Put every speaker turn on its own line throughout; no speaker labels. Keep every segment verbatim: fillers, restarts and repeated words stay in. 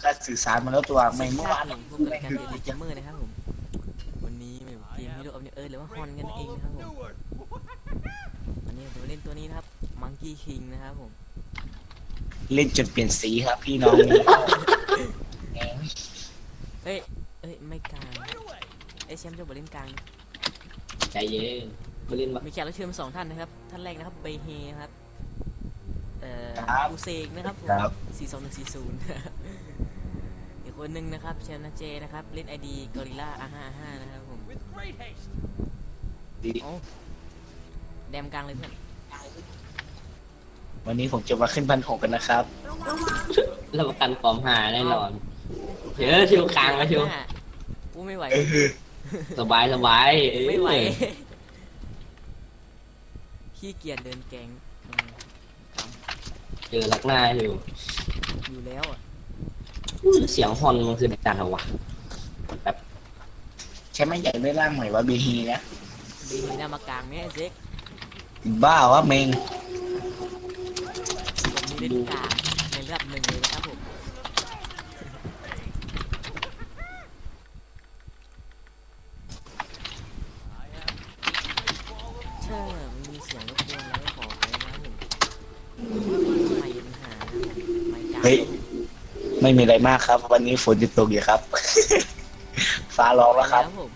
ก็สื่อสารมาแล้วตัวไม่เมื่อวาน
ผมพบกับการเรียนรีเกมเมอร์นะครับผมวันนี้เกมฮีโร่ออฟเนเออร์หรือว่าฮอนกันเองนะครับผมวันนี้ผมจะเล่นตัวนี้นะครับมังกี้คิงนะครับผม
เล่นจนเปลี่ยนสีครับพี่น้อง
เอ้ยเอ้ยไม่กลางไอแชมป์จะบอกเล่นกลาง
ใจเย็นมาเล่นมา
มีแขกรับเชิญมาสองท่านนะครับท่านแรกนะครับเบเฮครับเอ่ออูเซกนะครับผมสี่สองหนึ่งสี่ศูนย์อีกคนหนึ่งนะครับเชนนาเจนะครับเล่นไอดีกอริล่าอาห้าห้านะครับผม
ดี
โอ้แดมกลางเลยเพื่อน
วันนี้ผมจะมาขึ้นพันหกกันนะครับ
รับประกันความหาแน่นอนเดี๋ยวชิวกลางมาชิว
กูไม่ไหว
สบายสบายเออ
ไม่ไหวขี้เกียจเดินแกงอืมก
เจอลักหน้าอยู่
ำอยู่แล้วอ่ะ
เสียงฮอนมันคือดังอะไรวะ
ใช่ไหมอยากได้ร่างใหม่ว่าบีฮีนะ
ดีหน้ามากลางเนี่ยไอ้เจ๊ก
บ้าวะเมง
ผมมีเล่นกลางในระดับหนึ่งเลยนะครับผมเชื่อมันมีเสียงรบกวนแล้วก็ขอไปนะครับผมไม่มีปัญหานะครับผมไม่กลาง
เฮ้ยไม่มีอะไรมากครับ วันนี้ฝนจะตกอยู่ครับ ฟ้าร้องแล้วครับ
ผม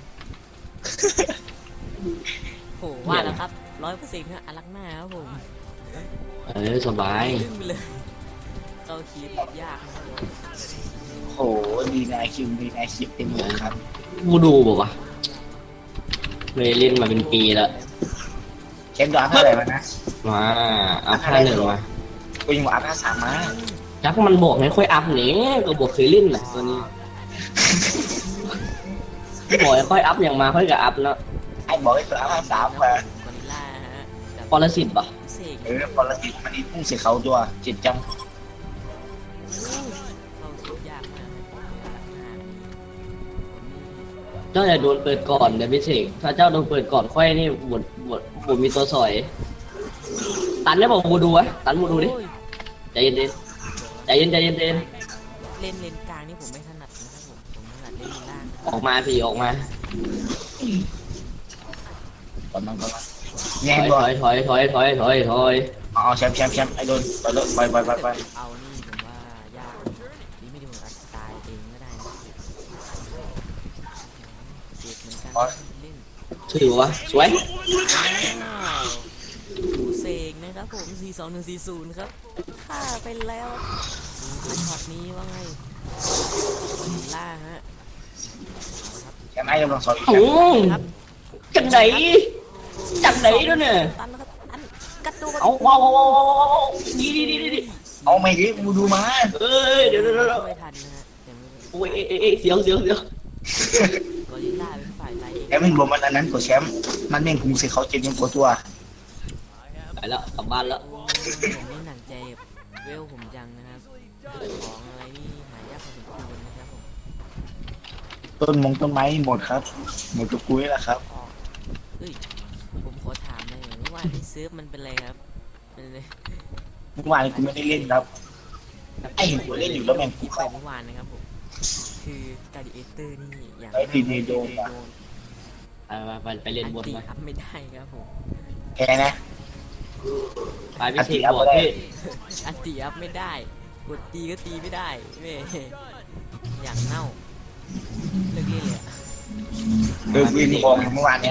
โหว่าแล้วครับร้อยเปอร์เซ็นต์ครับอลักหน้าครับผม
เออสบาย
ขึ้นไปเลยเข้าคีบยากนะครับผม
โอ้โหดีนายคิวดีนายคิวเต็มเลยครับ
กูดูบอกว่าไม่ได้เล่นมาเป็นปีแล้ว
เชนดอนเท่าไหร่มานะ
มาอัพห้าหนึ่งมา
กูยังบอกอัพห้าสามมา
จักมันบอกไม่ค่อยอัพนี่ก็บอกเคยเล่นนะตัวนี้บอกให้ค่อยอัพอย่างมาค่อยกับอัพเนาะ
ไอ้บอกให้ตัวอัพห้าสามมาก
อริลล่าฮะกับ
ปรสิตปะ
เสก
เออพอละติดมันนี่พุ่งเสียเขาตัวเจ็ดจัง
เข้าคีบยากมากอลักหน้านี่
เจ้าอย่าโดนเปิดก่อนเดี๋ยวพี่เสกถ้าเจ้าโดนเปิดก่อนค่อยนี่บทบทบทมีตัวสอย ตันได้บอกบูดูวะตันบูดูดิ
โอ้ย
ใจเย็นดิใจเย็นใจเย็นใจเย็น
เล่นเลนกลางนี่ผมไม่ถนัดนะครับผมผมถนัดเล่นเลนล่าง
ออกมาพี่ออกมา
ก่อนมันก่อนมัน
ถ
แย่ง
อย
บอ
ถ
ล
อยถอยถอยถอยถอยถอย
เอาแชมป์แชมป์แชมป์ไอ้โดนไปเลยไปไปไปไป
เอานี่ผมว่ายากนี่ไม่ดีผมอาจจะตายเองก็ได้นะเจ็บเหมือนกันเล่น
ถือวะสวย
อ้าวดูเสกนะครับผมสี่สองหนึ่งสี่ศูนย์ครับฆ่าไปแล้วดูช็อตนี้ว่าไงกอริลล่าฮะ
แชมป์ไอ้กำลังสอนอีกแช
โอ้
มป์
ครับ
จังไหนจังไหนด้วยเนี่ย
ตันนะครับอันกระโดด
เอาว้าวว้าวว้าวว้าวดีดีดีดี
เอาไม่ดิกูดูมา
เอ้ยเดี๋ยวเดี๋ยวเดี๋ยว
ไม่ทันนะฮะแต่ไม่เป็น
โอ้ยเอ้ยเอ้ยเอ้ยเสียวเสียวเสียว
กอริลล่าเป็นฝ่ายไล่เอง
แชมป์มันรวมมันอันนั้นกว่าแชมป์มันเม่งพุงเสียเขาเจ็ดยังกว่าตัว
ไปแล้วกลับบ้านแล้ว
โอ้ผมนี่หนักใจเวลผมจังนะครับของอะไรนี่หายากพอสมควรนะครับผม
ต้นมงต้นไม้หมดครับ หมดทุกกุ้ยแล้วครับ
ออกเฮ้ยผมขอถามหน่อยเมื่อวานที่เซิร์ฟมันเป็นอะไรครับเป็นอะไร
เมื่อวานกูไม่ได้เล่นครับไอ้เห็นกูเล่นอยู่แล้วแม่งกู
ที่ไป
เข้า
เมื่อวานนะครับผมคือการดิเอเตอร์นี่อย่าง
ไอ้ดีเนโดนอะ
ไปไปไปไปเล่นบน
ตี
มา
อัพไม่ได้ครับผม
แค่นะ
ไปพี่เสกบอกพี่
อันตีอัพไม่ได้กดตีก็ตีไม่ได้แม่อย่างเน่าเลิกเล่นเลยอะ
เออวินบอกเมื่อวานเนี้ย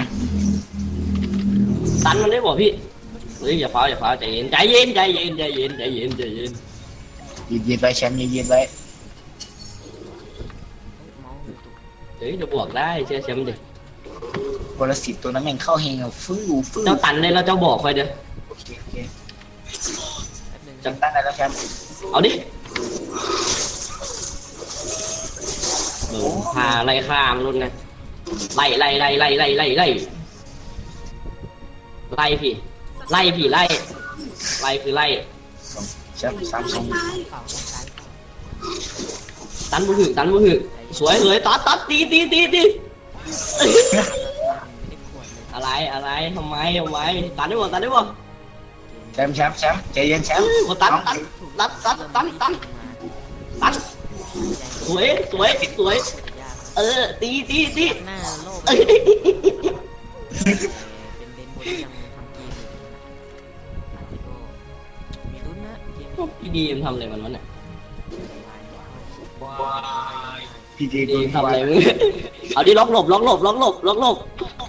ตันมันได้บอกพี่เฮ้ยอย่าฟ้าอย่าฟ้าใจเย็นใจเย็นใจเย็นใจเย็นใจเย็นใจเย็น
ยืนยืนไว้แชมป์ยืนยืนไว้
เมาส์อยู่ตุก
เฮ้ยจะบวกได้เชื่อแชมป์ดิ
บอลสิบตัวนั้นแม่งเข้าเฮงอ่ะฟื้นฟื้น
เจ้าตันได้แล้วเจ้าบอกค่อยเด้อ
โอเคโอเค
แป๊บนึง
จำตั้งได้แล้วแชมป์
เอาดิเออพาไล่ข้ามรุ่นนะไล่ไล่ไล่ไล่ไล่ไล่ไล่ไล่พี่ไล่พี่ไล่ไล่คือไล่
แชมป์สามสอง
เปล่าต้องใช้เปล่า
ตันบุหึตันบุหึสวยเลยตัดตัดตีตีตีตี
ไม่ได้ขวดเลย
อะไรอะไรทำไมทำไมตันได้บ่ตันได้บ่
แชมป์แชมป์แชมป์ใจเย็นแชมป์
โอ้ตันตันตันตันตันตันตัน
ใจ
สวยสวยสวย
จะยากครับ
เออตีตีตี
หน้าโลก
เอ้ย
เป็นเลนบนที่ยังทำเกมอยู่นะอาจจะก็มีลุ้นนะเกมนี้
พี่ดีมทำอะไรมันวะเนี่ย
พีเจ
พี่ดีมทำอะไรมึงเอาดิล็อกหลบล็อกหลบล็อกหลบล็อกหลบ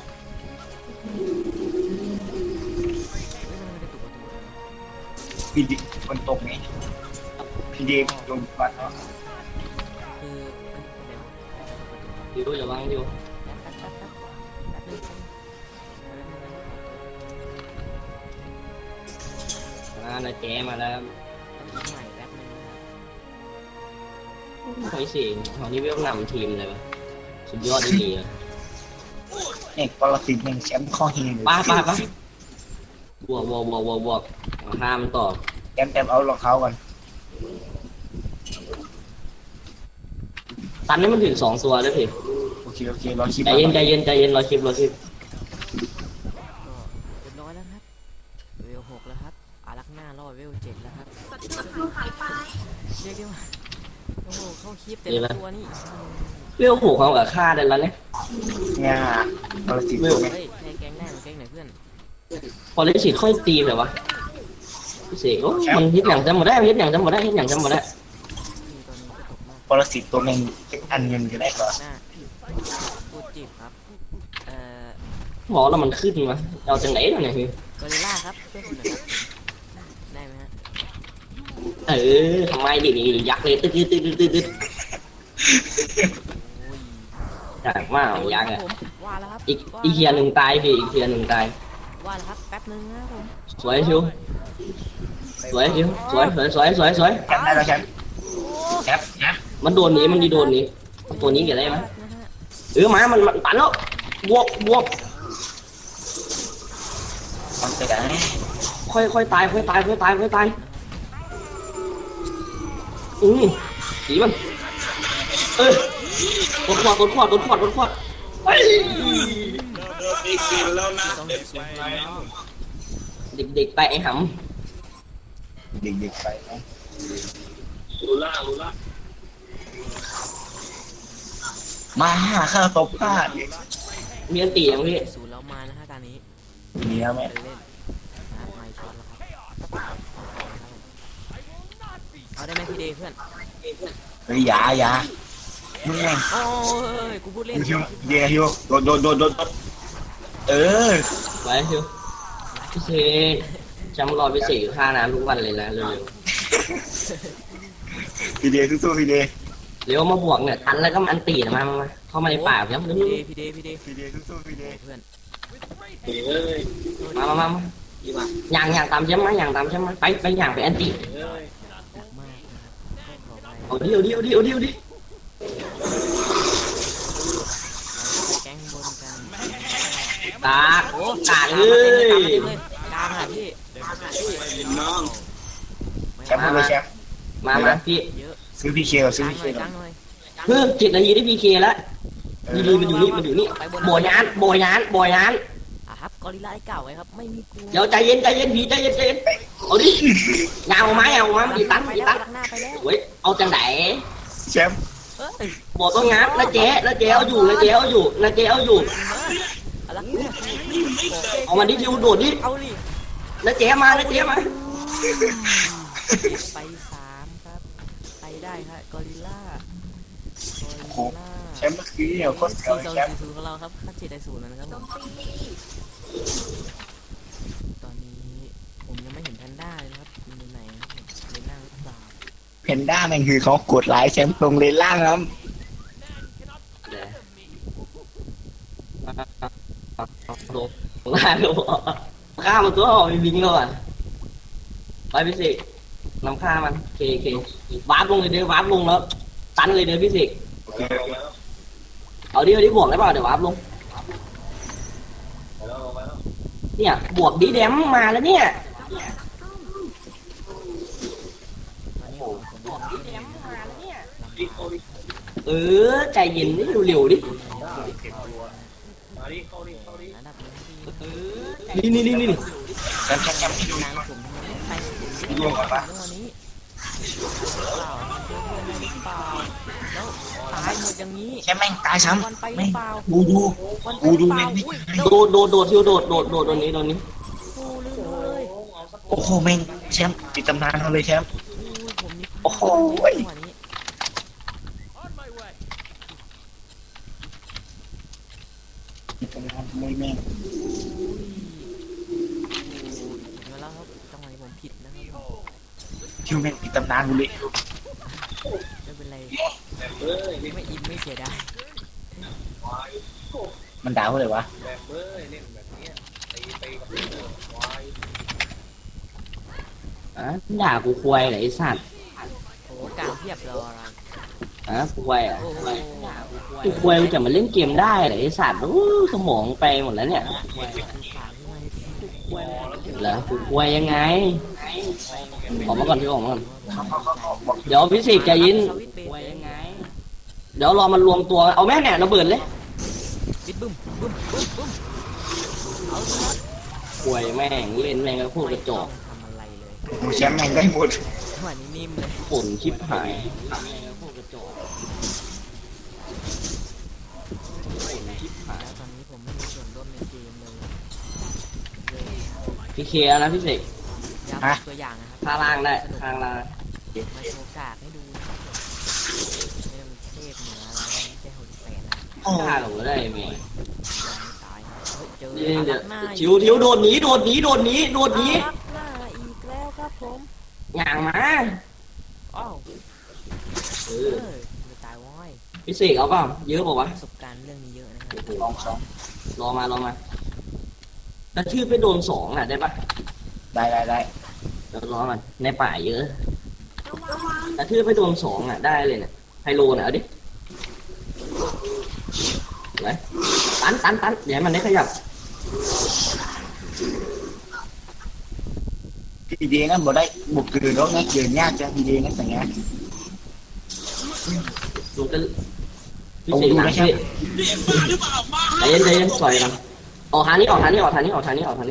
พีเจฝนตกไงพีเจโดนฟันเนาะ
คือเอ้ยเดี๋ยว
ดิวอย่าวางดิว
แป๊บแป๊บแป๊บแป๊บแป๊บนึง
อ่านาแจมาแล้ว
ต้องยิงใหม่แป๊บนึงนะครับ
เฮ้ยสิตอนนี้เวลนำทีมเลยวะสุดยอดดีเลย
เอกปรสิตหนึ่งแชมป์ข้อเฮง
ป้าป้าป้าบวกบวกบวกบวกบวกห้ามต่อ
แชมป์แชมป์เอารองเท้าก่อน
ตันนี่มันถึงสองตัวแล้วพี่
โอเคโอเครอคลิป
ใจเย็นใจเย็นใจเย็นรอคลิปรอคลิป
ก็เรียบร้อยแล้วครับเวลหกแล้วครับอารักหน้ารอดเวลเจ็ดแล้วครับเรียกได้ว่าโอ้โหเข้าคลิปแต่ละตัวนี่
เวลผูกเขากับฆ่าได้แล้วเนี่ย
งาปรสิตตัวไง
เฮ้ยใครแกงได้มาแกงไหนเพื่อน
พอเล่นฉีดค่อยตีเลยวะพี่เสกโอ้มันฮิตอย่างจำหมดได้ฮิตอย่างจำหมดได้ฮิตอย่างจำหมดได้
นี่ตอนนี้ก็ตกมาก
ปรสิตตัวเองเป็นอันเงินก็ได้ก่อน
หน้าพูดจีบครับเอ่อ
หมอแล้วมันขึ้นมาเอาจังไหนเนี่ยพี่
กอริลล่าครับเพื่อนคุณหน่อยครับได้ไหมฮะ
เออทำไมดินี่ยักษ์เลยตึ๊ดตึ๊ดตึ๊ดตึ๊ดตึ๊ด
โอ้ย
จากมากยักษ์อ่ะ
ผมว่าแล้วครับ
อีกอีกเทียหนึ่งตายพี่อีกเทียหนึ่งตาย
ว่าแล้วครับแป๊บนึงนะผม
สวยชิวสวยชิวสวยสวยสวยสวยสวย
แชมป์ได้แล้วแชมป์แชมป์แชมป์
มันโดนหนี้มันดีโดนหนี้ตัวนี้เกี่ยวได้ไหม
นะฮะ
เออมามันมันตันแล้วบวกบวก
ทำไปได้
ค่อยค่อยตายค่อยตายค่อยตายค่อยตายอืมสีมันเออกดขวดกดขวดกดขวดกดขวดเฮ้ย
สองเจ็ดศูนย์ครับผม
เด็กๆไปไอ้ห
เด็กๆไปนะมาข้าตบพลาด
ำมีอันตีอย่างพี่
ศูนย์แล้วมานะฮะตอนนี้
มีแล้วไหม
เล่นเล่นนะไม่ช็อตแล้วครับเอาได้ไหมพี่เดย์เพื่อน
เฮ้ยอย่าอย่ามึงไง
โอ้ยกูพูดเล่น
ฮิวเดียฮิวโดนโดนโดนโดนเออ
ไว้ชิวพี่เสกจำรอพี่เสกอยู่ท่าน้ำทุกวันเลยนะเร็ว
พี่เดียสู้ๆพี่เดีย
ๆเร็วมาบวกเนี่ยทันแล้วก็มันอันตีนะมามามาเข้ามาในป่าครับเร็ว
พี่เดย์พี่เดย์พี่เดย์
พี่เดียสู้ๆพี่เดีย
เพื่อน
มามามามาอย่างอย่างตามใช่ไหมอย่างตามใช่ไหมไปไปอย่างไปอันตี
มากนะครับขอไป
เอาดิเอาดิเอาดิเอาดิเอาดิ
แก๊งบนกัน
ตาก
โอ้
ตาก
ก
เล
ลางมาเต็มเลย
ย
กลางอ่ะพี่
แชมป์เลยแชมป์
มามาพี่
เยอะ
ซื้อพีเคซื้อก
ลาง
พี
ห
เค
น่อยกลางหน่อย
เพิ่มเจ็ดนาทีได้พีเคแล้วดีดีมันอยู่นี่มันอยู่นี่โบยานโบยานโบยาน
อ่ะครับกอริลล่าไอ้เก่าไว้ครับไม่มีกู
เดี๋ยวใจเย็นใจเย็นพี่ใจเย็นใจเย็นเอาดิยาวไหมเอาไหมดีตัน
ไป
ดี
แล้ว
ตัน
หน้าไปแล้ว
เฮ้ยเอาจังไหน
แชมป์
เอ้ย
บอกต้องงัดแล้วเจ๊แล้วเจ๊เอาอยู่แล้วเจ๊เอาอยู่แล้วเจ๊เอาอยู่
อะไรเนี่ย
เอามันดิดิวโดดดิ
เอาดิ
แล้วเจ๊มาแล้วเจ๊มา
ไปสามครับไปได้ฮะกอริลล่ากอริลล่า
แชมป์เมื่อกี้เนี่ยโคตรเสียว
สี่สอง
แชมป์
สี่ศูนย์ของเราครับค่าเจ็ดได้ศูนย์แล้วนะครับผมตอนนี้ผมยังไม่เห็นแพนด้าเลยนะครับมันอยู่ไหนนะครับในนั่งหรือเปล่า
เพนด้าแม่งคือเขากดไลค์แชมป์ตรงเลนล่างครับ
โดนล่าโดฆ่ามันตัวมีบิงแล้วอ่ะไปพี่สินำฆ่ามันเคเควาร์ปลงเลยเดี๋ยววาร์ปลงแล้วตันเลยเดี๋ยวพี่สิ
โอเค
เอาดิเอาดิบวกได้เปล่าเดี๋ยววาร์ปลงเนี่ยบวกดีแดมมาแล้วเนี่ย
ตอนนี้ผมผมบอกที่แดมมาแล้วเนี่ย
เออใจเย็นดิเร็วๆดิ
ระดับนี้
นี่นี่นี่นี่
แชมป์แชมป์แชมป์ที่ดู
นางผมไปผม
ร่วงก่อนปะ
วันนี้เปล่าเพื่อนหรือเปล่าแล้วดอย่างนี้
แชมป์แม่งตายซ้
วันไป
ำ
หรื
แม่
อง เปล่า
ดูดู
วันไป
ดู
หรื
ดู
อเป
แม่
ล่าง
ไม่
อุ้ย
ตาย
โด
โด
น
ดโดดโดดทิวโดดโดดโดดโดนนี้โดนนี้
โอ้ลืมดูเลย
โอ้โหแม่งแชมป์ติดตำนานเขาเลยแชมป์
อุ้ยผมนี่
โอ้โห
จังหวะนี้
ติดตำนานเลยแม่ง
อุ้ยเห็นมาแล้วครับจังหวะนี้ผมผิดนะครับ
คิวแม่งติดตำนานกูเลย
ไม่เป็นไรไม่อินไม่เสียดาย
มันด่าเขาเลยวะ
อ่ะด่ากูควายเหรอไอ้สัตว์
โอ้กลางเทียบรออะไร
อ่ะควายอ่ะ
โอ้โห
กูควายมันจะมาเล่นเกมได้เหรอไอ้สัตว์โอ้สมองไปหมดแล้วเนี่ย
ควายคือขางไม่
เหรอกูควายยังไงออกมาก่อนพี่ออกมาก่อน
เขาเขาเขาเขาบอก
เดี๋ยวพิสิทธิ์ใจเยิน
สวิตช์เบส
เดี๋ยวรอมันรวมตัวเอาแม่เนี่ยระเบิดเลย
ปิดบึ้มบึ้มบึ้มบึ้มเอาสิครับ
ควายแม่งเล่นแม่งก็พูดกระจอก
ทำอะไรเลย
โอ้โหแชมป์แม่งได้หมด
จังหวะนี้นิ่มเลย
ผลชิบหายแม่งก็พูดกระจอกผลชิบหาย
แล้วตอนนี้ผมไม่มีส่วนร่วมในเกมเลยเลย
พี่เคลียร์นะพี่เสก
อยากเป็นตัวอย่างนะครับ
ข้างล่างได้ข้างล่าง
มาโชว์กากให้ดูนะครับผมไม่ต้องเทพเหนืออะไรไม่ใช่หดแปดนะ
โอ้
ฆ่าเราได้ไหม
ยังไม่ตายนะเฮ้ยเจอ
เดี๋ยว
อา
เดี๋
รั
ยว
กหน้า
ทิวทิวโดดหนีโดดหนีโดดหนีโดดหนี
อารักหน้าอีกแล้วครับผม
อย่างมา
อ้าว
เอ
เอ
อ
อไม่ตายว้อย
พี่เสกเอาเปล่าเยอะเปล่าวะ
ประสบการณ์เรื่องนี้เยอะนะครับ
ลองสอง
รอมารอมาถ้าชื่อไปโดนสองอ่ะได้ปะ
ได้ได้ได้
เดี๋ยวรอมันในป่าเยอะถ้าชื่อไปโดนสองอ่ะได้เลยเนี่ยไฮโลน่ะเอาดิไหนตันตันตันเดี๋ยวให้มันได้ขยับ
ทีเดียงั้นบอกได้บุกเกินแล้วงั้นเกินยากจังทีเดียงั้นแต่งงาน
ดูกันพี่เสกหนักพี่ใจเย็นใจเย็นปล่อยกันออกทางนี้ออกทางนี้ออกทางนี้ออกทางนี้ออกทางนี้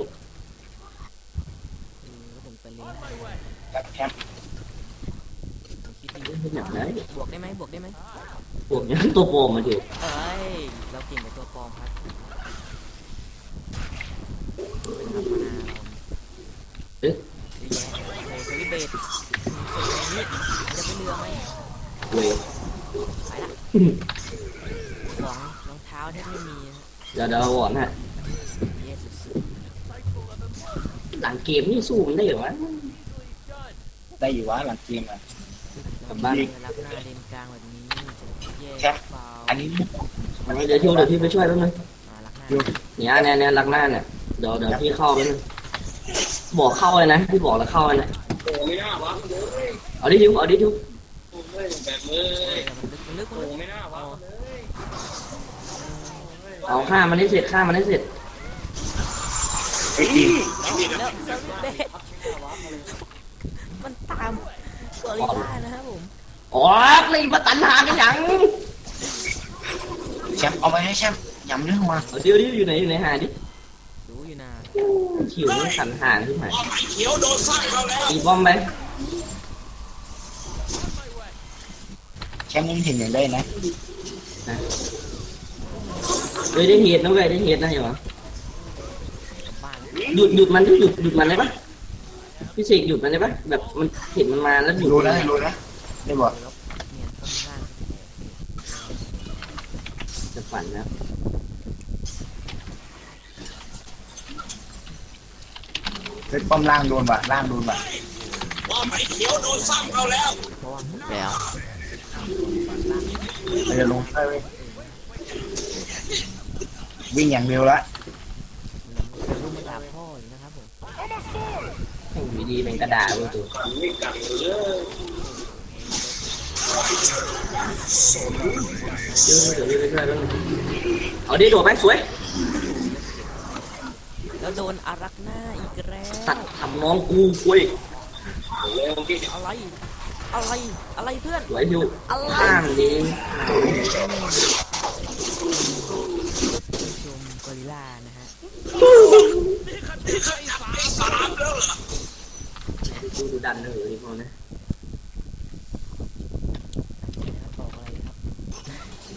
อืมแล้วผมไปเล่นให้
ครับแชมป์
ผมคิดดี
อย่างไร
บวกได้ไหมบวกได้ไหม
พวกนี้ตัวโปรมาดิ
เอ้ยเราเก่งกับตัวปลอมครับดูนะครับมานาเรา
เอ๊ะ
เยอะแยะโอ้สวิตช์เบสอืมส่วนตรงนี้จะไปเรือไหม
เว้ย
ไปละของรองเท้าแทบไม่มีนะ
เดี๋ยวเดี๋ยวก่อนฮะ
เย่สุด
หลังเกมนี่สู้มันได้เหรอวะ
ได้อยู่วะหลังเกมอ่ะ
ๆ
กลับบ้าน
เรือรับหน้าเลนกลางแบบนี้จะแย่
แชมป์
เปล่า
อันนี้
เดี๋ยวทิวเดี๋ยวที่ไปช่วยแป๊บนึง
อ่ารักหน้า
เนี่ยเนี่ยเนี่ยลักหน้าเนี่ยเดี๋ยวเดี๋ยวพี่เข้าไปนึงบอกเข้าเลยนะพี่บอกแล้วเข้าเลยนะเอาดิทิวเอาดิทิว
เฮ้ยมันลึกมันลึกมันลึกอ๋อ
เอาฆ่ามันให้เสร็จฆ่ามันให้เสร็จ
ไอ้ยจริง
แล้วสวิตช์เบสมันตามกอริลล่านะครับผม
อ๋อเลยมาตันหากันยัง
แชมป์เอาไปให้แชมป์ยำเนื้อมา
เอาดิวดิวอยู่ไหนอยู่ไหนหาดิ
รู้อยู่นะ
ขิวมันขันหางขึ้นมาตีบอมไป
แชมป์ยังเห็นอย่างได้นะ
เฮ้ยได้เหตุนะเว้ยได้เหตุนะเห็นปะ
กลับบ้าน
หยุดหยุดมันดิหยุดหยุดมันได้ปะพี่เสกหยุดมันได้ปะแบบมันเห็นมันมาแล้วหยุด
รู้นะรู้นะได้บอก
แล้วเนียนต้นล่าง
จะฝันนะ
เฮ้ยป้อมล่างโดนว่ะล่างโดนว่ะ
เพราะว่าแล้ว
เราจะลงไปเว้ยวิ่งอย่างเร็วละ
จะรู้มาด่าพ่ออยู่นะครับผม
อยู่ดีๆเป็นกระดาษเลยตัวเดี๋ยวเดี๋ยวไปช่วยแป๊บนึงเอาดิโดดไปสวย
แล้วโดนอารักหน้าอีกแล้ว
สัตว์ทำน้องกูคุย
อะไรอะไรอะไรเพื่อน
สวยอยู่
อะไร
ข้ามดี
ชมกอริลล่านะฮะ
ดูดูดันเลยดีพอนะ
นะครับบอกอะไรครับ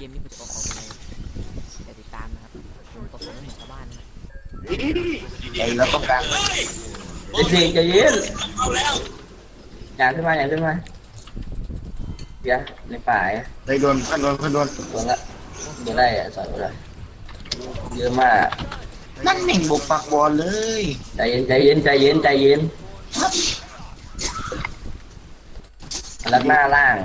มนี้ผมจะออกออกอะไรอย่าติดตามนะครับผมตกของไม่เหมือนชาวบ้านนะ
ไอ้เราต้องการ
ไอ้เสกใจเย็นอย่างขึ้นมาอย่างขึ้นมาเดี๋ยวในป่าอ่ะ
ไปโดนพันโดนพันโดน
โดนละโดนได้อ่ะสอนเลยเยอะมาก
นั่นแม่งบุกปักบอลเลย
ใจเย็นใจเย็นใจเย็นใจเย็นลักหน้าล่าง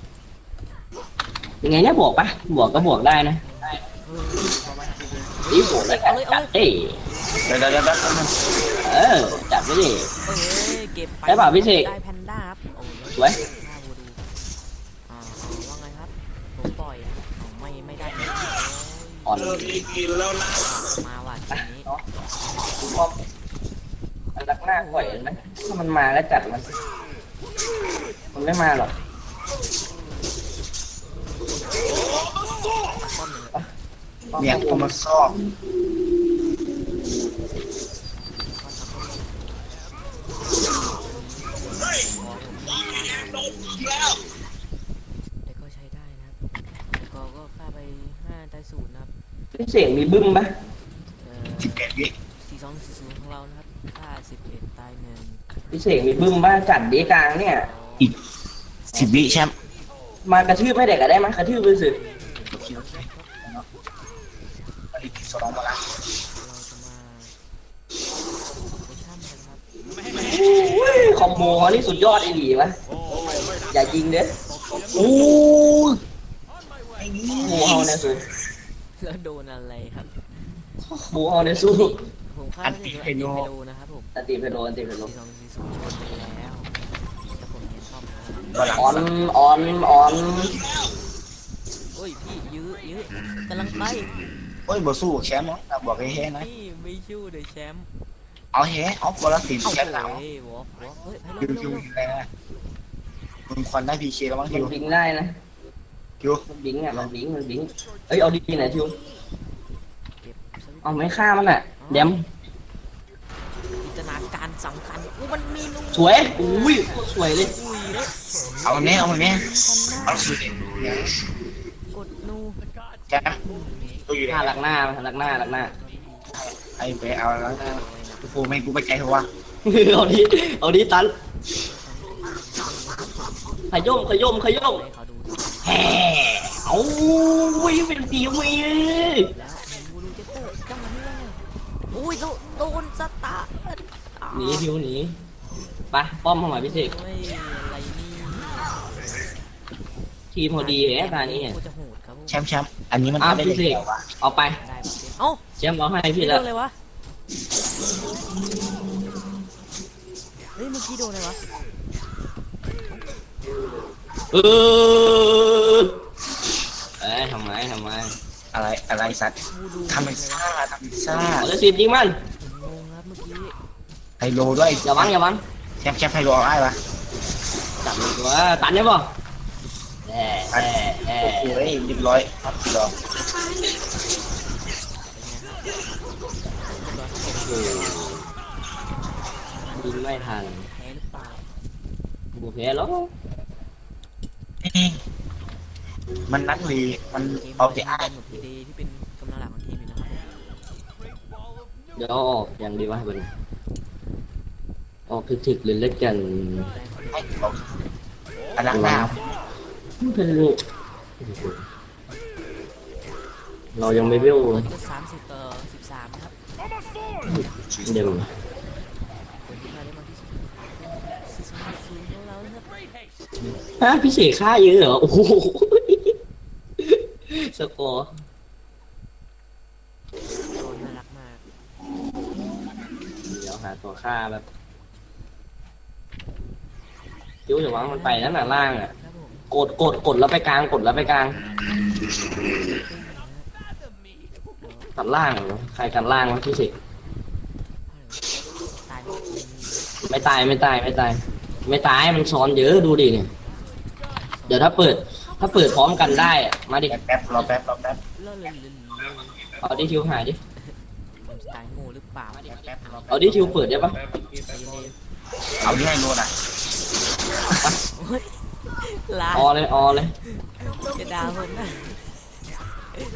ยังไงเนี่ยบวกปะบวกก็บวกได้นะ
เออประมาณนี้เลย
นี่บวกแล้วกันจัดเอ้ย
เดี๋ยวเดี๋ยวเดี๋ยว
เออจัดไปดิ
เอ้ยเก็บไป
ได้เปล่าพี่เสก
ได้แพนด้าครับโอ้ย
สวย
หน้าบูดูอ่าเอาว่าไงครับผมปล่อยเอาไม่ไม่ได้นะ
อ่อน
โอ้ยมาว่ะทีนี้
เนาะคุณพ่อมันลักหน้าก่อยเห็นไหมถ้ามันมาก็จัดมันมันไม่มาหรอก
ป้อมหนึ่ง
เนี่ยกูมาซอก
แต่ก็ใช้ได้นะครับแต่ก็ก็ฆ่าไปห้าได้ศูนย์นะครับ
พี่เสียงมีบึ้มปะ
เอ่
สิบเอ็ดวิ
อสี่สองสี่ศูนย์ของเรานะครับฆ่าสิบเอ็ดตายหนึ่ง
พี่เสียงมีบึ้มปะจัดดีกลางเนี่ย
อีกสิบวิแชมป์
มากระทืบไม่เด็กก็ได้มั้ยกระทืบไปสิ
โอเคโอเคอันนี้สองมาละ
เราจะมาโปรชั่นกันครับ
อุ้ยคอมโบเขานี่สุดยอดไอ้หลีวะอย่ายิงเด้อ
โอ้ยไอ้นี่
บูเขาเนี่ยสู้
แล้วโดนอะไรครับ
บูเขาเนี่ยสู้
ผมฆ่าไม่ได้โดนอันติเพโลนะครับผม
อันตีเพโลอันตีเพโล
สี่สองสี่ศูนย์ชนไปแล้วแต่ผมเห็นป้อมนะครับ
บอลหลัง
ออนออนออน
โอ้ยพี่ยื้อยื้อกำลังไป
โอ้ยบ่สู้แชมป์เนาะบอกให้แฮ่นะ
พี่ไม่ชู้เลยแชมป์
เอาแฮ่เอาบอลละสิบ
เอา
แชมป์แล้ว
เฮ้ยวอล์กวอล์กเฮ้ยให้
คิว
เร็ว
คิว
เร็ว
อะไรนะมึงควันได้พีเคแล้วมั้ง
มั
คิ
น
ว
บิงได้นะ
คิว
มันบิงอ่ะมันบิงมันบิงเอ้ยเอาดีๆหน่อยทิว
เก็บสวิตช์
เอาไม่ฆ่ามันอ่ะเดม
จินตนาการสำคัญอู้มันมีนู
สวยอุ้ยโคตรสวยเลย
อุ้ยแล้ว
เอาแน่เอาแน่
ทันหน้า
เอาสุดเนี่ย
กดนู
แชมป์ตัวอยู่
หน้าหลักหน้าหลักหน้าหลักหน้า
ไอ้ไปเอาแล้วนะกูไม่กูไปใจเขาวะ
เอาดิเอาดิตันขย่มขย่มขย่ม
ให้เขาดูดิ
แฮ่เอาอุ้ยเป็นตีวีเลย
แล้วบูรูเจเตอร์จังหวะนี้ว่าไงอุ้ยโดนโดนสตาร์ทอ่า
หนีทิวหนีไปป้อมเข้ามาพิเศษ
โอ้ยอะไรนี่
ทีมพอดีแหมตานี้
กูจะโหดครับผม
แชมป์แชมป์อันนี้มัน
อ้าว
ได้
พิเศ
เด็
ษ
กวะ
เอาไป
ได้หมดเลยเอ้า
แชมป์เอาให้
พี่
พี่
โด
แล้ว
นอะไรวะเฮ้ยเมื่อกี้โดนอะไรวะ
เออเอ้ยทำไมทำไม
อะไรอะไรสัตว์
บูดู
ทำเป็นซ่าทำเป็นซ่า
เอาจะสิบยิงมัน
ผมงงครับเมื่อกี้
ไฮโลด้วย
อย่าวังอย่าวัง
แชมป์แชมป์ไฮโลเอาได้ปะ
จับมือตัวตันได้ป่ะแอ่แอ่แอ่
โอ้โหเรียบร้อยครับพี่รอง
ยิงไม่ทัน
แพ้หรือเปล่า
บุกแพ้แล้ว
มันนักลีมัน
เกม
เอาไป
จะ
อ้า
ได้
ย
หมดพีเดที่เป็นกำลังหลักของทีมอยู่นะครับผม
เดี๋ยวเอาออกอย่างดีวะเป็นออกถึกๆเลยเล็กกัน
ให้เขาอันนักหน้า
เป็นลูกเรายังไม่เบี้ยว
ตอนนี้ก็สามสิบต่อสิบสามนะครับ
เดี๋ยว
คนที่มาได้มากที่สุดสี่สองศูนย์ของเรานะครับ
ฮะพี่เสกฆ่าเยอะเหรอโอ้โหสกอร์
โดนน่ารักมาก
เดี๋ยวหาตัวฆ่าแบบจิ้วจะวางมันไปนั่นน่ะล่างอ่ะ
ครับผม
กดกดกดแล้วไปกลางกดแล้วไปกลางตัดล่างเหรอใครกันล่างวะพี่เสก
ตายหมด
ไม่ตายไม่ตายไม่ตาย ไม่ตายมันซ้อนเยอะดูดิเนี่ยเดี๋ยวถ้าเปิด ถ้าเปิดพร้อมกันได้อะมาดิ
แป๊บแป๊บรอแป๊บรอแป๊บ
เล่นเล่นเล่น
เอาดิทิวหายดิ
มันจะตายโง่หรือเปล่า
แป๊บแป๊บรอแป๊บ
เอาดิทิวเปิดได้ปะ
ใจเย็น
เอาที่ให้โลน่ะ
ๆโอ้ยลา
ออเลยออเลย
จะด่าผมนะ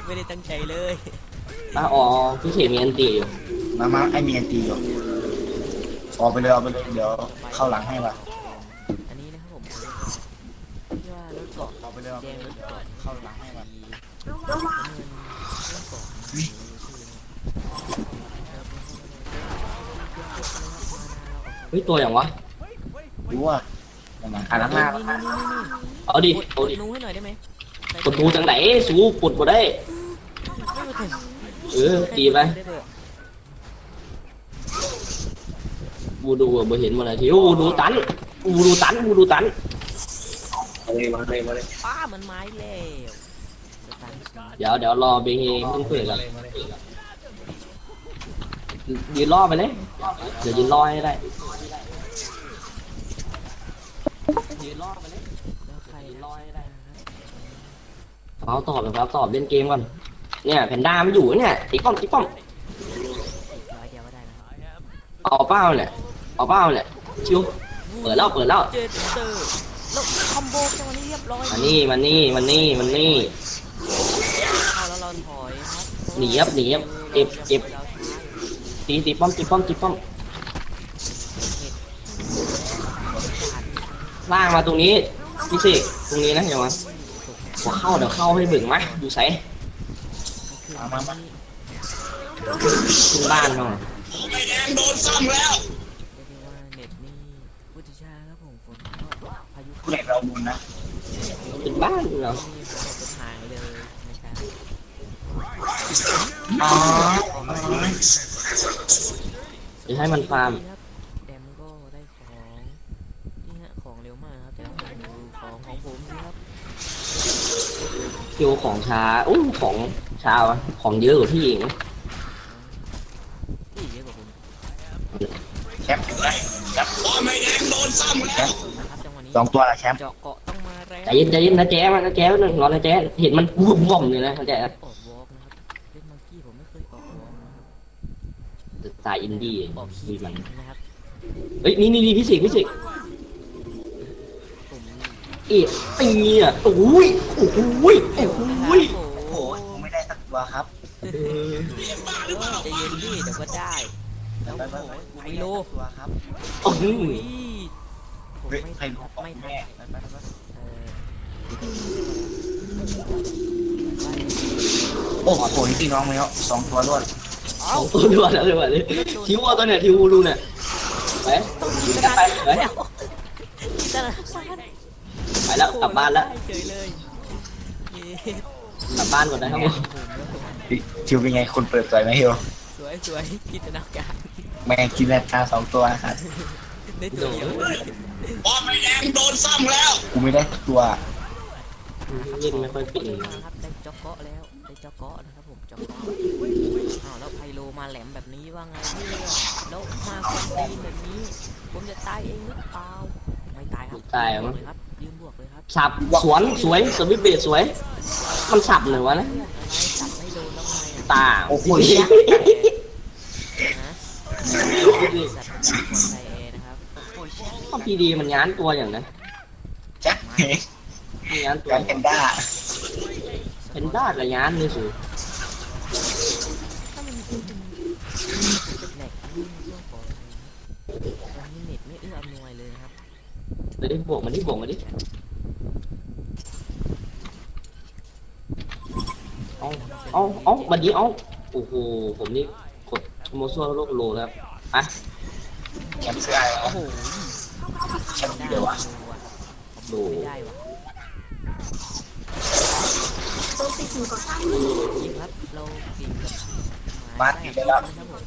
ไม่ได้ตั้งใจเลย
อ่ะอ๋อพี่เขมีอันตีอยู่
มามาไอเมียนตีอยู่ออกไปเลยออกไปเลยเดี๋ยวเข้าหลังให้ว่ะ
อันนี้นะครับผมเรียกว่ารถเกาะ
ออกไปเลยออก
แด
ไป
ง
เล
ร
ย
ถเกาะ
เข้าหลังให้ว่ะ
สีน้ำเงินรถเกาะชื่อนะครับ
เฮ้ยตัวอย่างวะ
รู้ว่าอย่างนั้นอ่านหลังหน้า
นี่นี่นี่นี่
เอาดิ
กด
เอา
กด
ดิ
นูให้หน่อยได้ไหม
กดดูจังไหนสู้กดบ่ได้
ไม่เป็นไร
เออตีไปบูดูอะบ่เห็นมันอะไรที่บูดูตันบูดูตันบูดูตัน
มาเลยมาเลยมาเลย
ป้ามันไม้แล้วสตัน
เดี๋ยวเดี๋ยวรอเบงเฮเพิ่งเปิดก่อนยืนรอไปเลยเดี๋ยวยืนรอให้ได้ยืนรอไปเลย
แล้วใคร
ยืน
นะ
รอให้ได้เอาตอบนะครับตอบเล่นเกมก่อนเนี่ยแพนด้าไม่อยู่เนี่ยติ๊กป้อมติ๊กป้อม
อีกร้อยเดียวก็ได้นะ
เอาเป้าเนี่ยเอาเป้าเนี่ยชิวเปิดแล้วเปิดแล้ว
เจเตอร์แล้วคอมโบจังวันนี้เรียบร้อย
มานี่มานี่มานี่มานี่
เอาแล้วเราถอยครับ
หนีครับหนีครับเจ็บเจ็บ ตีตีป้อมตีป้อมตีป้อมล่างมาตรงนี้พี่สิตรงนี้นะเดี๋ยวมาพอเข้าเดี๋ยวเข้าให้เบิ่งมาดูใส่
มามามา
ขึ้นบ้านหน่อย
ไม่แดงโดนซ้ำแล้ว
เรียกได้ว่าเน็ตนี่พุทธิชาครับผมฝนตกพายุ
ผู้เล่นเราบุญนะ
ขึ้นบ้านเรา
นี่ฝนตกเป็นหายเลยนะครับ
อ๋อ
จะให้มันฟาร์ม
แดมก็ได้ของนี่ฮะของเร็วมากครับแต่ละคนดูของของผมสิครับ
คิวของช้าอู้ของช้าวะของเยอะกว่าพี่เอง
ที่เยอะกว่าผม
แชมป์ถึงได้แชมป์ไม่แดงโดนซ้ำแล้ว
นะครับจังหวะนี้
สองตัวละแชมป์
เจาะเกาะต้องมาแรง
ใจเย็นใจเย็นนะแจ๊มันนะแจ๊หนึ่งรอนะแจ๊เห็นมันวุ่มว่อมเลยนะแจ๊
ออกวอล์กนะครับเล่นมังกี้ผมไม่เคยออกวอล์กนะครับ
สายอินดี้
ออก
มี
ขี้
มัน
นะครับ
เฮ้ยนี่นี่นี่พี่สิพี่สิ
ผม
เอ๊ะไอ้เนี่ยโอ้ยโอ้ยโอ้ยโอ้ย
โอ้
โอ้โหไม่ได้สักตัวครับ
ใจเย็นดิเดี๋ยวก็ได้แล้ว
ไป
โอ้
ไป
โห
ไป
ไฮโล
ตัวครับ
โอ้ย
อุ้ยผม
เฮ้ย
ไม่
ใคร
ทัน
รู้
ครับ
ของ
ไม่ทัน
แม่ไปไปไป
เออ
โอ้โหพี่น้องแล้วสองตัวรวด
เอ้า
ตัวด่วนเลยว่ะเลยทิวเอาตัวเนี่ยทิวรูเนี่ยไป
ต้องยิง
ไป
ขนาด
ไป
นั้นแล้วแต่ละ
ไปแล้วกลับบ้านแล้ว
เฉยเลยเย้
กลับบ้านก่อนนะครับผม
ทิวเป็นไงคุณเปิดใจไหมฮิว
สวยสวยจินตนาการ
แม่งกินแรกตาสองตัวครับ
ได้ตัวเดียว
บอลไม่แดงโดนซ้ำแล้วกูไม่ได้ตัว
เล่นไม่ค่อยเป็น
มาครับได้จ็อกเกาะแล้วได้จ็อกเกาะนะครับผมจ็อกเกาะอ้าวแล้วไพโลมาแหลมแบบนี้ว่าไงเนี่ยแล้วมาควันตีนแบบนี้ ผมจะตายเองหรือเปล่าไม่ตายครับ
ตาย
บว
มั้
ก
ง
เลยครับยืมบวกเลยครับ
สับสวนสวยสวิตเบสสวย มันสับหน่อยวะนะ
อะไรจับไม่โดนแล้วไงอ่ะ
ตา
โอ้โห
ฮะสัตว์คนไทยเอนะครับ
ก็พีดีมันย้านตัวอย่างนั้น
แจ็คเฮ้ย
มันย้านตัว
การแพนด้า
เป็นด้ากับย้านนี่สิ
ถ้ามันเป็นเป็นแหลกนี่ช่วงของตอนนี้เน็ตไม่เอื้ออำนวยเลยนะครับ
เดี๋ยวดิบวกมันดิบวกมันดิเอาเอาเอาบัดนี้เอาโอ้โหผมนี่กดโมซัวโลกโลแล้วอ่ะ
แชมป์เสื้ออะไร
โอ้
วะ
โห
แชมป์เดียววะ
ดูไม่ได้ว่ะยิงครับเรากินกับ
มาตีได้แล้ว
ครับผม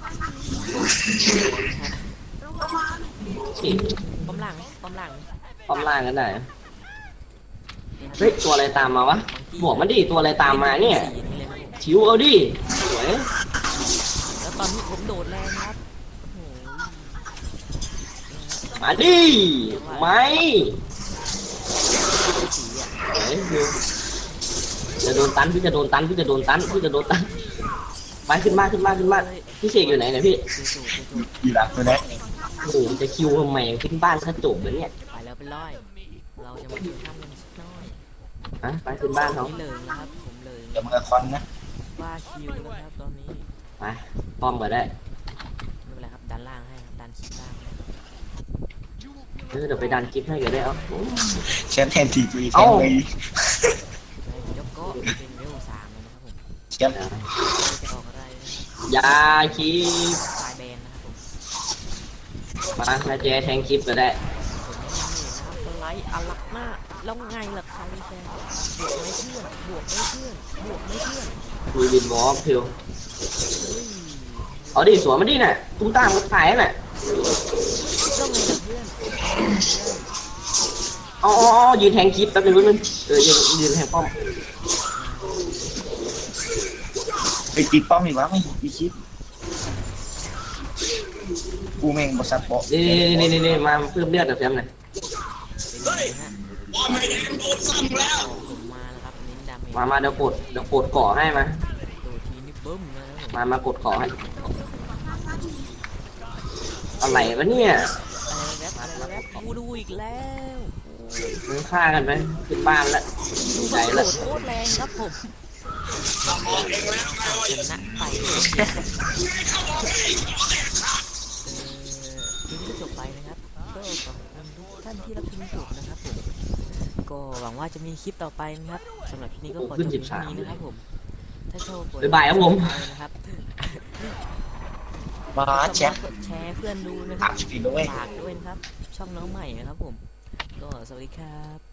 สิ
ป้อมหลังป้อมหลัง
ป้อมล่างกันได้เฮ้ยตัวอะไรตามมาวะบวกมันดิตัวอะไรตามมาเนี่ย
สีนี่เลยครับผม
ชิวเอาดิสวย
แล้วตอนนี้ผมโดดแรงครับโอ้โห
มาดิไม่
สีอ่ะ
เฮ้ยจะโดนตันพี่จะโดนตันพี่จะโดนตันพี่จะโดนตันไปขึ้นมาขึ้นมาขึ้นมาพี่เสกอยู่ไหนเนี่ยพี่
ดูสูดูสู
อยู่หลังตัวนี้
โอ้โหจะคิวทำไมขึ้นบ้านถ้าจบแล้วเนี่ย
ไปแล้วเป็นร้อย เราจะมาดูข้ามกันสักหน้อย
ฮะไปขึ้นบ้านเขา
นี่เลยนะครับผมเลย
เดี๋ยวมือคอนนะ
บ้าคิวแล้วครับตอนนี้
ไปป้อมก็ได้
ไม่เป็นไรครับดันล่างให้ครับดันคลิปล่างให้
เออเดี๋ยวไปดันคลิปให้ก็ได้เอา
แชมป์แทนทีวีแท
เอ้า
นเลย
ยกก็เป็นเวลสามแล้วนะครับผม
แชมป์
เราจะออกอะไรนะครับ
อยาคลิป
สายแบนนะครับผม
มานาเจแทงคลิปก็ได้
ผมไม่ได้นะครับสไลด์อัลลักหน้าแล้วไงล่ะใครแฟนบวกไม่เพื่อนบวกไม่เพื่อนบวกไม่เพื่อน
คุยบินวอล์กพิว
เฮ้ย
เอาดิสวนมาดิน่ะตุ้มตามก็ขายน่ะ
แล้วไงล่ะเพื่อน
อ๋ออ๋ออ๋อยืนแทงคลิปแป๊บนึงแป๊บนึงเออยืนยืนแทงป้อม
ไปตีป้อมอีกวะไม่มีคิดกูแม่งบอสัตว์บอก
นี่นี่นี่นี่มาเพิ่มเลือดกับแซมหน่อย
เป็นไงฮะผมมาแล้วครับเน้นดาเมจ
มามาเดี๋ยวกดเดี๋ยวกดก่อให้มา
ตัวทีนี่บึ้มนะครับผม
มามากดก่อให้อะไรวะเนี่ย
อะไรแรปอะไรแรปกูดูอีกแล้ว
มึงฆ่ากันไปขึ้นบ้านแล้วดีใจ
โห
แล้ว
ดโคตรแรงครับผมชนะไปเออคลิปก็จบไปนะครับก็ขอบคุณทุกท่านที่รับชมจบนะครับผมก็หวังว่าจะมีคลิปต่อไปนะครับสำหรับคลิปนี้ก็ขอจบเพียงเท่านี้นะครับผมถ้าชอบกด
บ๊ายบายครับผม
นะครับ
มาแชมป์
กดแชร์เพื่อนดูนะครับ
อ่ะจริงด้วย
ฝากด้วยนะครับ ช่องน้องใหม่นะครับผม ก็สวัสดีครับ